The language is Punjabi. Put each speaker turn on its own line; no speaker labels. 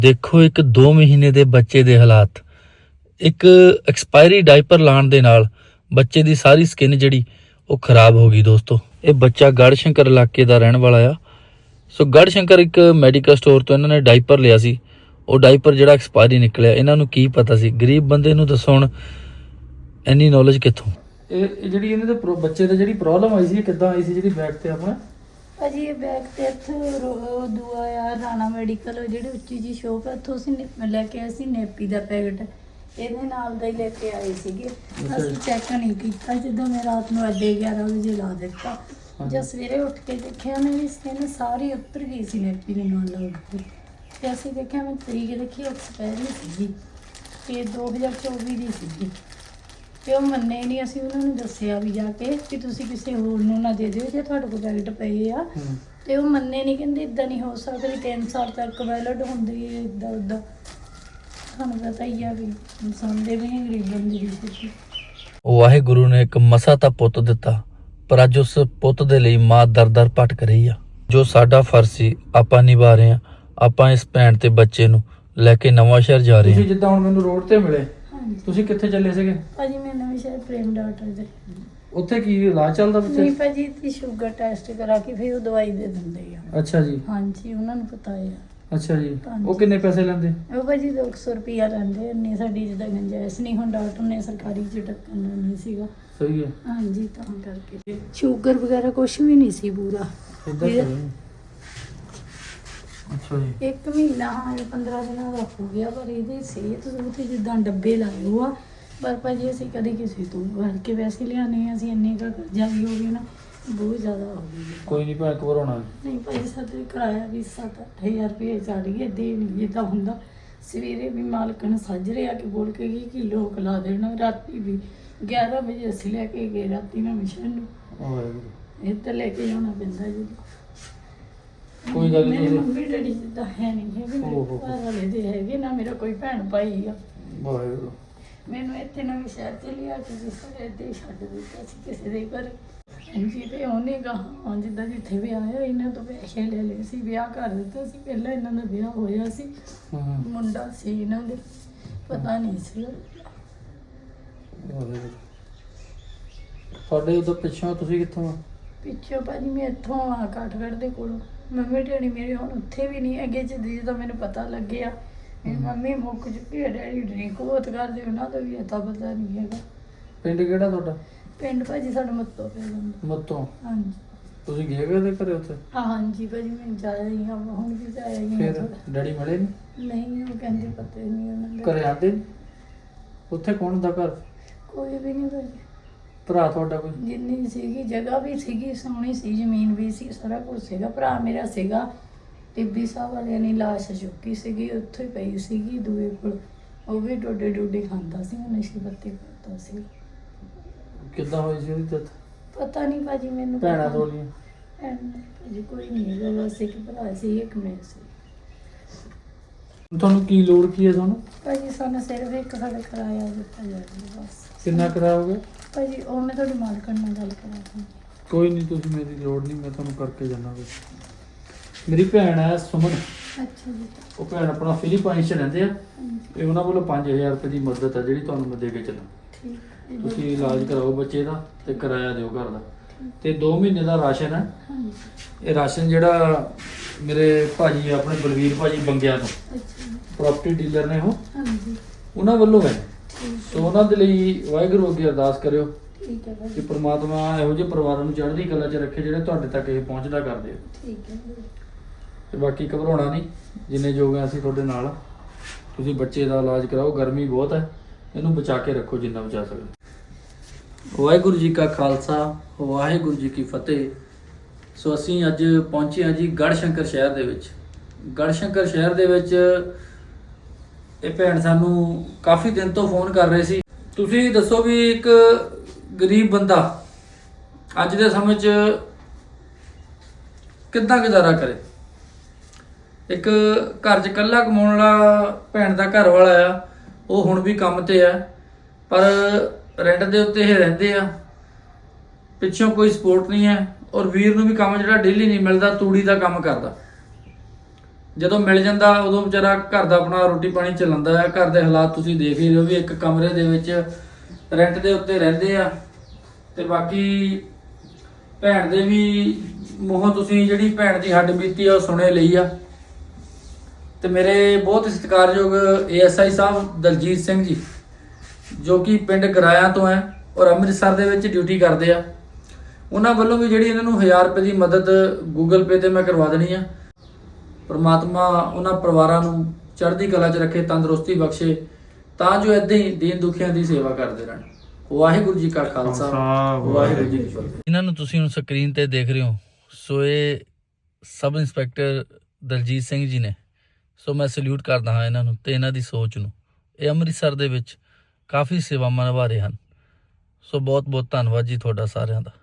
ਦੇਖੋ ਇੱਕ 2 ਮਹੀਨੇ ਦੇ ਬੱਚੇ ਦੇ ਹਾਲਾਤ। ਇੱਕ ਐਕਸਪਾਇਰੀ ਡਾਈਪਰ ਲਾਉਣ ਦੇ ਨਾਲ ਬੱਚੇ ਦੀ ਸਾਰੀ ਸਕਿਨ ਜਿਹੜੀ ਉਹ ਖਰਾਬ ਹੋ ਗਈ। ਦੋਸਤੋ, ਇਹ ਬੱਚਾ ਗੜ੍ਹਸ਼ੰਕਰ ਇਲਾਕੇ ਦਾ ਰਹਿਣ ਵਾਲਾ ਆ। ਸੋ ਗੜ੍ਹਸ਼ੰਕਰ ਇੱਕ ਮੈਡੀਕਲ ਸਟੋਰ ਤੋਂ ਇਹਨਾਂ ਨੇ ਡਾਈਪਰ ਲਿਆ ਸੀ। ਉਹ ਡਾਈਪਰ ਜਿਹੜਾ ਐਕਸਪਾਇਰੀ ਨਿਕਲਿਆ। ਇਹਨਾਂ ਨੂੰ ਕੀ ਪਤਾ ਸੀ? ਗਰੀਬ ਬੰਦੇ ਨੂੰ ਦੱਸੋ ਹੁਣ ਇੰਨੀ ਨੌਲੇਜ ਕਿੱਥੋਂ? ਇਹ ਜਿਹੜੀ ਇਹਦੇ ਤੇ ਬੱਚੇ ਦੀ ਜਿਹੜੀ ਪ੍ਰੋਬਲਮ ਆਈ ਸੀ, ਕਿੱਦਾਂ ਆਈ ਸੀ ਜਿਹੜੀ ਬੈਕ ਤੇ ਆਪਣਾ?
ਭਾਜੀ ਇਹ ਬੈਗ ਤੇ ਇੱਥੋਂ ਦੂਆ ਆ ਰਾਣਾ ਮੈਡੀਕਲ ਜਿਹੜੀ ਉੱਚੀ ਜੀ ਸ਼ੋਪ ਹੈ, ਉੱਥੋਂ ਅਸੀਂ ਲੈ ਕੇ ਆਏ ਸੀ ਨੇਪੀ ਦਾ ਪੈਕਟ। ਇਹਦੇ ਨਾਲ ਦਾ ਹੀ ਲੈ ਕੇ ਆਏ ਸੀਗੇ। ਅਸੀਂ ਚੈੱਕ ਨਹੀਂ ਕੀਤਾ। ਜਦੋਂ ਮੈਂ ਰਾਤ ਨੂੰ 11:30 ਵਜੇ ਲਾ ਦਿੱਤਾ, ਜਦ ਸਵੇਰੇ ਉੱਠ ਕੇ ਦੇਖਿਆ ਮੇਰੀ ਸਕਿਨ ਸਾਰੀ ਉਤਰ ਗਈ ਸੀ ਨੇਪੀ ਦੇ ਨਾਲ ਲੱਗ ਕੇ। ਤੇ ਅਸੀਂ ਦੇਖਿਆ, ਮੈਂ ਤਰੀਕ ਦੇਖੀ ਐਕਸਪਾਇਰੀ ਸੀਗੀ ਤੇ 2024 ਦੀ ਸੀਗੀ। ਤੇ ਉਹ ਮੰਨੇ ਹੀ ਨਹੀਂ। ਅਸੀਂ ਉਹਨਾਂ ਨੂੰ ਦੱਸਿਆ ਵੀ ਜਾ ਕੇ ਕਿ ਤੁਸੀਂ ਕਿਸੇ ਹੋਰ ਨੂੰ ਨਾ ਦੇ ਦਿਓ ਜੇ ਤੁਹਾਡੇ ਕੋਲ ਪੈਕਟ ਪਏ ਆ। ਤੇ ਉਹ ਮੰਨੇ ਨਹੀਂ, ਕਹਿੰਦੇ ਇਦਾਂ ਨਹੀਂ ਹੋ ਸਕਦਾ, 3 ਸਾਲ ਤੱਕ ਵੈਲਿਡ ਹੁੰਦੀ ਹੈ ਇੱਦਾਂ ਉੱਦਾਂ। ਤੁਹਾਨੂੰ ਪਤਾ ਹੀ ਆ ਵੀ ਇਨਸਾਨ ਦੇ ਵੀ ਨਹੀਂ ਗਰੀਬ ਬੰਦੇ ਦੀ ਸਥਿਤੀ।
ਵਾਹਿਗੁਰੂ ਨੇ ਇੱਕ ਮਸਾ ਤਾਂ ਪੁੱਤ ਦਿੱਤਾ, ਪਰ ਅੱਜ ਉਸ ਪੁੱਤ ਦੇ ਲਈ ਮਾਂ ਦਰ-ਦਰ ਭਟਕ ਰਹੀ ਆ। ਜੋ ਸਾਡਾ ਫਰਜ਼ ਸੀ ਆਪਾਂ ਨਿਭਾ ਰਹੇ ਆ। ਆਪਾਂ ਇਸ ਭੈਣ ਤੇ ਬੱਚੇ ਨੂੰ ਲੈ ਕੇ ਨਵਾਂ ਸ਼ਹਿਰ ਜਾ ਰਹੇ ਹਾਂ। ਤੁਸੀਂ ਜਿੱਦਾਂ ਹੁਣ ਮੈਨੂੰ ਰੋਡ ਤੇ ਮਿਲੇ, ਤੁਸੀਂ ਕਿੱਥੇ ਚੱਲੇ ਸੀਗੇ?
ਭਾਜੀ ਮੈਂ ਨਵੇਂ ਸ਼ਹਿਰ ਪ੍ਰੇਮ ਡਾਕਟਰ ਦੇ।
ਉੱਥੇ ਕੀ ਇਲਾਜ ਚੱਲਦਾ ਬੱਚੇ?
ਨਹੀਂ ਭਾਜੀ, ਤੇ ਸ਼ੂਗਰ ਟੈਸਟ ਕਰਾ ਕੇ ਫਿਰ ਉਹ ਦਵਾਈ ਦੇ ਦਿੰਦੇ ਆ।
ਅੱਛਾ ਜੀ।
ਹਾਂਜੀ, ਉਹਨਾਂ ਨੂੰ ਪਤਾ ਹੈ।
ਅੱਛਾ ਜੀ। ਉਹ ਕਿੰਨੇ ਪੈਸੇ ਲੈਂਦੇ?
ਉਹ ਭਾਜੀ 200 ਰੁਪਿਆ ਲੈਂਦੇ। ਇੰਨੀ ਸਾਡੀ ਜਿੱਦਾਂ ਗੁੰਜਾਇਸ਼ ਨਹੀਂ। ਹੁਣ ਡਾਕਟਰ ਨੇ ਸਰਕਾਰੀ ਚ ਟੱਕਣ ਨਹੀਂ ਸੀਗਾ।
ਸਹੀ ਹੈ।
ਹਾਂਜੀ, ਤਾਂ ਕਰਕੇ ਸ਼ੂਗਰ ਵਗੈਰਾ ਕੁਝ ਵੀ ਨਹੀਂ ਸੀ ਪੂਰਾ।
ਅੱਛਾ ਜੀ।
1 ਮਹੀਨਾ 15 ਦਿਨਾਂ ਦਾ ਹੋ ਗਿਆ, ਪਰ ਇਹਦੀ ਸਿਹਤ ਤੇ ਜਿੱਦਾਂ ਡੱਬੇ ਲਾਏ ਹੋ ਆ। ਪਰ ਭਾਜੀ ਅਸੀਂ ਕਦੇ ਕਿਸੇ ਤੋਂ ਭਰ ਕੇ ਵੈਸੇ ਲਿਆਨੇ ਆ। ਅਸੀਂ ਇੰਨੇ ਕੁ ਕਰਜ਼ਾ ਵੀ ਹੋ ਗਿਆ ਨਾ, ਬਹੁਤ ਜ਼ਿਆਦਾ ਹੋ ਗਿਆ।
ਕੋਈ ਨਹੀਂ ਭੈਣ, ਘਬਰਾਉਣਾ
ਨਹੀਂ ਭਾਜੀ, ਸਾਡੇ ਕਿਰਾਇਆ ਵੀ 7-8 ਹਜ਼ਾਰ ਰੁਪਏ ਚੜ ਗਿਆ। ਦੇ ਨਹੀਂ ਜਿੱਦਾਂ ਹੁੰਦਾ। ਸਵੇਰੇ ਵੀ ਮਾਲਕਣ ਸਾਜਰੇ ਆ ਕੇ ਬੋਲ ਕੇ ਗਈ ਕਿ ਲੋਕ ਲਾ ਦੇਣਾ। ਰਾਤੀ ਵੀ 11 ਵਜੇ ਅਸੀਂ ਲੈ ਕੇ ਗਏ। ਰਾਤੀ ਮੈਂ ਮਿਸ਼ਨ ਨੂੰ ਇਹ ਤਾਂ ਲੈ ਕੇ ਜਾਣਾ ਪੈਂਦਾ ਜੀ।
ਕੋਈ ਗੱਲ ਨਹੀਂ।
ਮੇਰੇ ਮੰਮੀ ਡੈਡੀ ਜਿੱਦਾਂ ਹੈ ਨਹੀਂ ਹੈਗੇ, ਮੇਰੇ ਘਰ ਵਾਲੇ ਦੇ ਹੈਗੇ ਨਾ, ਮੇਰਾ ਕੋਈ ਭੈਣ ਭਾਈ ਆ। ਮੈਨੂੰ ਇੱਥੇ ਨਵੇਂ ਸ਼ਹਿਰ ਚ ਲਿਆ ਕੇ ਸਾਰੇ ਦੇ ਛੱਡ ਦਿੱਤਾ ਸੀ ਕਿਸੇ ਦੇ ਘਰ। ਹਾਂਜੀ, ਤੇ ਉਹਨੇ ਗਾਹਾਂ ਜਿੱਦਾਂ ਜਿੱਥੇ ਵਿਆਹ ਹੋਇਆ ਇਹਨਾਂ ਤੋਂ ਪੈਸੇ ਲੈ ਲਏ ਸੀ, ਵਿਆਹ ਕਰ ਦਿੱਤਾ ਸੀ। ਪਹਿਲਾਂ ਇਹਨਾਂ ਦਾ ਵਿਆਹ ਹੋਇਆ ਸੀ, ਮੁੰਡਾ ਸੀ ਇਹਨਾਂ ਦੇ, ਪਤਾ ਨਹੀਂ ਸੀ।
ਤੁਹਾਡੇ ਉਧਰ ਪਿੱਛੋਂ ਤੁਸੀਂ ਕਿੱਥੋਂ ਆ?
ਪਿੱਛੋਂ ਭਾਜੀ ਮੈਂ ਇੱਥੋਂ ਆ ਕਾਠਗੜ੍ਹ ਦੇ ਕੋਲੋਂ। ਮੰਮੀ ਡੈਡੀ ਮੇਰੇ ਹੁਣ ਉੱਥੇ ਵੀ ਨਹੀਂ ਹੈਗੇ। ਜਦੋਂ ਮੈਨੂੰ ਪਤਾ ਲੱਗਿਆ ਮੇਰੀ ਮੰਮੀ ਮੁੱਕ ਚੁੱਕੀ ਹੈ, ਡੈਡੀ ਡਰਿੰਕ ਬਹੁਤ ਕਰਦੇ, ਉਹਨਾਂ ਦਾ ਵੀ ਅਤਾ ਪਤਾ ਨਹੀਂ ਹੈਗਾ।
ਪਿੰਡ ਕਿਹੜਾ ਤੁਹਾਡਾ?
ਪਿੰਡ ਭਾਜੀ ਸਾਡਾ ਮੱਤੋਂ ਪੈ ਜਾਂਦਾ।
ਮੱਤੋਂ?
ਹਾਂਜੀ।
ਤੁਸੀਂ ਗਏ ਉਹਦੇ ਘਰੇ ਉੱਥੇ?
ਹਾਂਜੀ ਭਾਜੀ, ਮੈਂ ਜਾ ਰਹੀ ਹਾਂ, ਹੁਣ ਵੀ ਜਾ ਰਹੀ ਹਾਂ।
ਫਿਰ ਡੈਡੀ ਮਿਲੇ
ਨਹੀਂ, ਉਹ ਕਹਿੰਦੇ ਪਤਾ ਹੀ ਨਹੀਂ ਉਹਨਾਂ ਦੇ
ਘਰੇ ਆਉਂਦੇ? ਉੱਥੇ ਕੌਣ ਹੁੰਦਾ ਘਰ?
ਕੋਈ ਵੀ ਨਹੀਂ ਭਾਜੀ।
ਭਰਾ ਤੁਹਾਡਾ ਕੋਈ?
ਜਿੰਨੀ ਸੀਗੀ ਜਗ੍ਹਾ ਵੀ ਸੀਗੀ, ਸੋਹਣੀ ਸੀ, ਜ਼ਮੀਨ ਵੀ ਸੀ, ਸਾਰਾ ਕੁਝ ਸੀਗਾ। ਭਰਾ ਮੇਰਾ ਸੀਗਾ। ਟਿੱਬੀ ਸਾਹਿਬ ਵਾਲਿਆਂ ਨੇ ਲਾਸ਼ ਚੁੱਕੀ ਸੀਗੀ, ਉੱਥੇ ਹੀ ਪਈ ਸੀਗੀ ਦੂਏ ਕੋਲ। ਉਹ ਵੀ ਡੋਡੇ ਖਾਂਦਾ ਸੀ, ਉਹ ਨਸ਼ੇ ਪੱਤੇ ਕਰਦਾ ਸੀ।
ਕਿੱਦਾਂ ਹੋਈ ਸੀ ਉਹਦੀ ਡੈਥ?
ਪਤਾ ਨਹੀਂ ਭਾਜੀ ਮੈਨੂੰ।
ਭੈਣਾਂ ਤੁਹਾਡੀਆਂ?
ਭਾਜੀ ਕੋਈ ਨਹੀਂ ਹੈਗਾ, ਬਸ ਇੱਕ ਭਰਾ ਸੀ, ਇੱਕ ਮੈਂ ਸੀ।
ਤੁਹਾਨੂੰ ਕੀ ਲੋੜ ਕੀ ਹੈ ਤੁਹਾਨੂੰ?
ਭਾਜੀ ਸਾਨੂੰ ਸਿਰਫ ਇੱਕ ਸਾਡਾ ਕਿਰਾਇਆ ਦਿੱਤਾ ਜਾਵੇ ਬਸ।
ਕਿੰਨਾ ਕਿਰਾਇਆ ਹੋ ਗਿਆ? ਭਾਜੀ
ਉਹ ਮੈਂ ਤੁਹਾਡੀ ਮਾਲਕਣ ਨਾਲ ਗੱਲ ਕਰਾਂ।
ਕੋਈ ਨਹੀਂ, ਤੁਸੀਂ ਮੇਰੀ ਲੋੜ ਨਹੀਂ, ਮੈਂ ਤੁਹਾਨੂੰ ਕਰਕੇ ਜਾਣਾ। ਮੇਰੀ ਭੈਣ ਹੈ ਸੁਮਨ।
ਅੱਛਾ ਜੀ।
ਉਹ ਭੈਣ ਆਪਣਾ ਫਿਲੀਪਾਈਨਸ 'ਚ ਰਹਿੰਦੇ ਆ। ਇਹ ਉਹਨਾਂ ਵੱਲੋਂ 5000 ਰੁਪਏ ਦੀ ਮਦਦ ਹੈ ਜਿਹੜੀ ਤੁਹਾਨੂੰ ਮੈਂ ਦੇ ਕੇ ਚੱਲਾਂ।
ਠੀਕ।
ਤੁਸੀਂ ਇਲਾਜ ਕਰਾਓ ਬੱਚੇ ਦਾ ਤੇ ਕਿਰਾਇਆ ਦਿਓ ਘਰ ਦਾ, ਤੇ 2 ਮਹੀਨੇ ਦਾ ਰਾਸ਼ਨ ਹੈ। ਇਹ ਰਾਸ਼ਨ ਜਿਹੜਾ ਮੇਰੇ ਭਾਜੀ ਆਪਣੇ ਬਲਵੀਰ ਭਾਜੀ ਬੰਗਿਆਂ ਤੋਂ ਪ੍ਰਾਪਰਟੀ ਡੀਲਰ ਨੇ, ਉਹ ਉਹਨਾਂ ਵੱਲੋਂ ਹੈ। ਸੋ ਉਹਨਾਂ ਦੇ ਲਈ ਵਾਹਿਗੁਰੂ ਅੱਗੇ ਅਰਦਾਸ ਕਰਿਓ ਕਿ ਪ੍ਰਮਾਤਮਾ ਇਹੋ ਜਿਹੇ ਪਰਿਵਾਰਾਂ ਨੂੰ ਚੜ੍ਹਦੀ ਕਲਾ 'ਚ ਰੱਖੇ ਜਿਹੜੇ ਤੁਹਾਡੇ ਤੱਕ ਇਹ ਪਹੁੰਚਦਾ ਕਰਦੇ ਆ। ਤੇ ਬਾਕੀ ਘਬਰਾਉਣਾ ਨਹੀਂ, ਜਿੰਨੇ ਯੋਗ ਆ ਅਸੀਂ ਤੁਹਾਡੇ ਨਾਲ। ਤੁਸੀਂ ਬੱਚੇ ਦਾ ਇਲਾਜ ਕਰਾਓ, ਗਰਮੀ ਬਹੁਤ ਹੈ, ਇਹਨੂੰ ਬਚਾ ਕੇ ਰੱਖੋ ਜਿੰਨਾ ਬਚਾ ਸਕਦੇ। ਵਾਹਿਗੁਰੂ ਜੀ ਕਾ ਖਾਲਸਾ, ਵਾਹਿਗੁਰੂ ਜੀ ਕੀ ਫਤਿਹ। ਸੋ ਅਸੀਂ ਅੱਜ ਪਹੁੰਚੇ ਹਾਂ ਜੀ ਗੜ੍ਹਸ਼ੰਕਰ ਸ਼ਹਿਰ ਦੇ ਵਿੱਚ। ਗੜ੍ਹਸ਼ੰਕਰ ਸ਼ਹਿਰ ਦੇ ਵਿੱਚ ਇਹ ਭੈਣ ਸਾਨੂੰ ਕਾਫੀ ਦਿਨ ਤੋਂ ਫੋਨ ਕਰ ਰਹੇ ਸੀ। ਤੁਸੀਂ ਦੱਸੋ ਵੀ ਇੱਕ ਗਰੀਬ ਬੰਦਾ ਅੱਜ ਦੇ ਸਮੇਂ 'ਚ ਕਿੱਦਾਂ ਗੁਜ਼ਾਰਾ ਕਰੇ? ਇੱਕ ਘਰ 'ਚ ਇਕੱਲਾ ਕਮਾਉਣ ਵਾਲਾ ਭੈਣ ਦਾ ਘਰ ਵਾਲਾ ਆ, ਉਹ ਹੁਣ ਵੀ ਕੰਮ ਤੇ ਆ, ਪਰ ਰੈਂਟ ਦੇ ਉੱਤੇ ਇਹ ਰਹਿੰਦੇ ਆ। ਪਿੱਛੋਂ ਕੋਈ ਸਪੋਰਟ ਨਹੀਂ ਹੈ। ਔਰ ਵੀਰ ਨੂੰ ਵੀ ਕੰਮ ਜਿਹੜਾ ਡੇਲੀ ਨਹੀਂ ਮਿਲਦਾ, ਤੂੜੀ ਦਾ ਕੰਮ ਕਰਦਾ। ਜਦੋਂ ਮਿਲ ਜਾਂਦਾ ਉਦੋਂ ਵਿਚਾਰਾ ਘਰ ਦਾ ਆਪਣਾ ਰੋਟੀ ਪਾਣੀ ਚਲਾਉਂਦਾ ਹੈ। ਘਰ ਦੇ ਹਾਲਾਤ ਤੁਸੀਂ ਦੇਖ ਹੀ ਰਹੇ ਹੋ ਵੀ ਇੱਕ ਕਮਰੇ ਦੇ ਵਿੱਚ ਰੈਂਟ ਦੇ ਉੱਤੇ ਰਹਿੰਦੇ ਆ। ਤੇ ਬਾਕੀ ਭੈਣ ਦੇ ਵੀ ਮੂੰਹੋਂ ਤੁਸੀਂ ਜਿਹੜੀ ਭੈਣ ਦੀ ਹੱਡ ਬੀਤੀ ਆ ਉਹ ਸੁਣੇ ਲਈ ਆ। ਤੇ ਮੇਰੇ ਬਹੁਤ ਸਤਿਕਾਰਯੋਗ ASI ਸਾਹਿਬ ਦਲਜੀਤ ਸਿੰਘ ਜੀ, ਜੋ ਕਿ ਪਿੰਡ ਗਰਾਇਆ ਤੋਂ ਹੈ ਔਰ ਅੰਮ੍ਰਿਤਸਰ ਦੇ ਵਿੱਚ ਡਿਊਟੀ ਕਰਦੇ ਆ, ਉਹਨਾਂ ਵੱਲੋਂ ਵੀ ਜਿਹੜੀ ਇਹਨਾਂ ਨੂੰ 1000 ਰੁਪਏ ਦੀ ਮਦਦ Google Pay ਤੇ ਮੈਂ ਕਰਵਾ ਦੇਣੀ ਆ। ਪਰਮਾਤਮਾ ਉਹਨਾਂ ਪਰਿਵਾਰਾਂ ਨੂੰ ਚੜ੍ਹਦੀ ਕਲਾ 'ਚ ਰੱਖੇ, ਤੰਦਰੁਸਤੀ ਬਖਸ਼ੇ, ਤਾਂ ਜੋ ਏਦਾਂ ਹੀ ਦੀਨ ਦੁਖੀਆਂ ਦੀ ਸੇਵਾ ਕਰਦੇ ਰਹਿਣ। ਵਾਹਿਗੁਰੂ ਜੀ ਕਾ ਖਾਲਸਾ, ਵਾਹਿਗੁਰੂ ਜੀ ਕੀ ਫਤਿਹ। ਇਹਨਾਂ ਨੂੰ ਤੁਸੀਂ ਹੁਣ ਸਕਰੀਨ ਤੇ ਦੇਖ ਰਹੇ ਹੋ, ਸੋ ਇਹ ਸਬ ਇੰਸਪੈਕਟਰ ਦਲਜੀਤ ਸਿੰਘ ਜੀ ਨੇ। ਸੋ ਮੈਂ ਸਲੂਟ ਕਰਦਾ ਹਾਂ ਇਹਨਾਂ ਨੂੰ ਤੇ ਇਹਨਾਂ ਦੀ ਸੋਚ ਨੂੰ। ਇਹ ਅੰਮ੍ਰਿਤਸਰ ਦੇ ਵਿੱਚ ਕਾਫੀ ਸੇਵਾਵਾਂ ਨਿਭਾ ਰਹੇ ਹਨ। ਸੋ ਬਹੁਤ ਬਹੁਤ ਧੰਨਵਾਦ ਜੀ ਤੁਹਾਡਾ ਸਾਰਿਆਂ ਦਾ।